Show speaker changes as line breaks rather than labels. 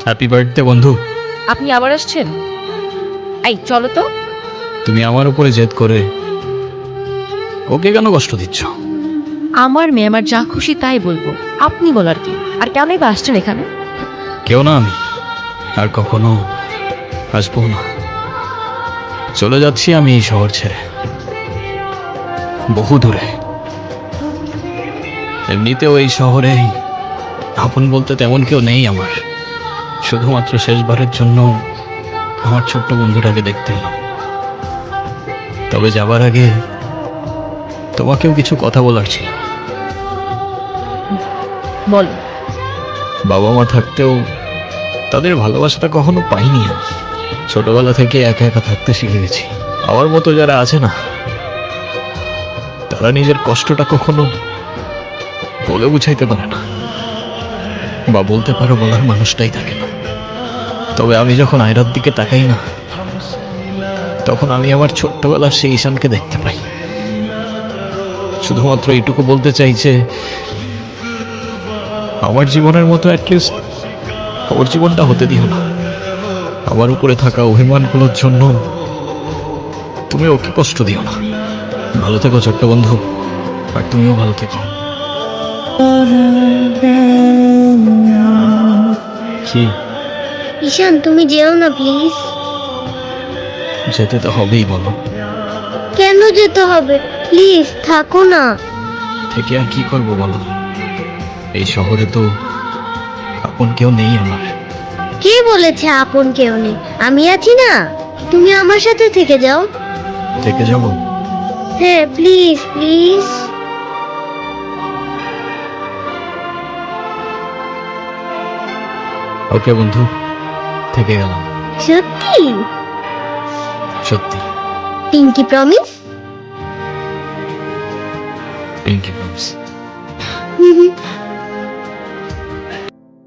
Happy birthday বন্ধু।
আপনি আবার আসছেন? এই চলো তো।
তুমি আমার উপরে জেদ করে ওকে কেন কষ্ট দিচ্ছ?
আমার মেয়ে, আমার যা খুশি তাই বলবো, আপনি বলার কি? আর কেনই বা আসছেন এখানে?
কেউ না আমি, আর কখনো আসবো না। চলে যাচ্ছি আমি এই শহর ছেড়ে, বহু দূরে। এমনিতেও এই শহরে আপন বলতে তেমন কেউ নেই আমার। শুধুমাত্র শেষবারের জন্য আমার ছোট্ট বন্ধুটাকে দেখতে এলাম। তবে যাবার আগে তোমাকেও কিছু কথা বলার ছিল।
বলো।
বাবা মা থাকতেও তাদের ভালোবাসাটা কখনো পাইনি আমি। ছোটবেলা থেকে একা একা থাকতে শিখে গেছি। আমার মতো যারা আছে না, তারা নিজের কষ্টটা কখনো বলে বুঝাইতে পারে না, বা বলতে পারো বলার মানুষটাই থাকে না। তবে আমি যখন আয়রার দিকে তাকাই না, তখন আমি আমার ছোট্টবেলার সেই ঈশানকে দেখতে পাই। শুধুমাত্র এইটুকু বলতে চাই যে আমার জীবনের মতো অ্যাটলিস্ট ওর জীবনটা হতে দিও না। আমার উপরে থাকা অভিমানগুলোর জন্য তুমি ওকে কষ্ট দিও না। ভালো থেকো ছোট্ট বন্ধু, আর তুমিও ভালো থেকো। কি?
ঈশান, তুমি যেও না প্লিজ।
যেতে তো হবেই, বলো।
কেন যেতে হবে? প্লিজ থাকো না।
থেকে আর কি করবো বলো? এই শহরে তো আপন কেউ নেই আমার।
কে বলেছে আপন কেউ নেই? আমি আছি না, তুমি আমার সাথে থেকে যাও।
থেকে যাবো?
হ্যাঁ প্লিজ প্লিজ।
ওকে বন্ধু, থেকে গেলাম।
সত্যি?
সত্যি।
Pinky promise?
Pinky promise.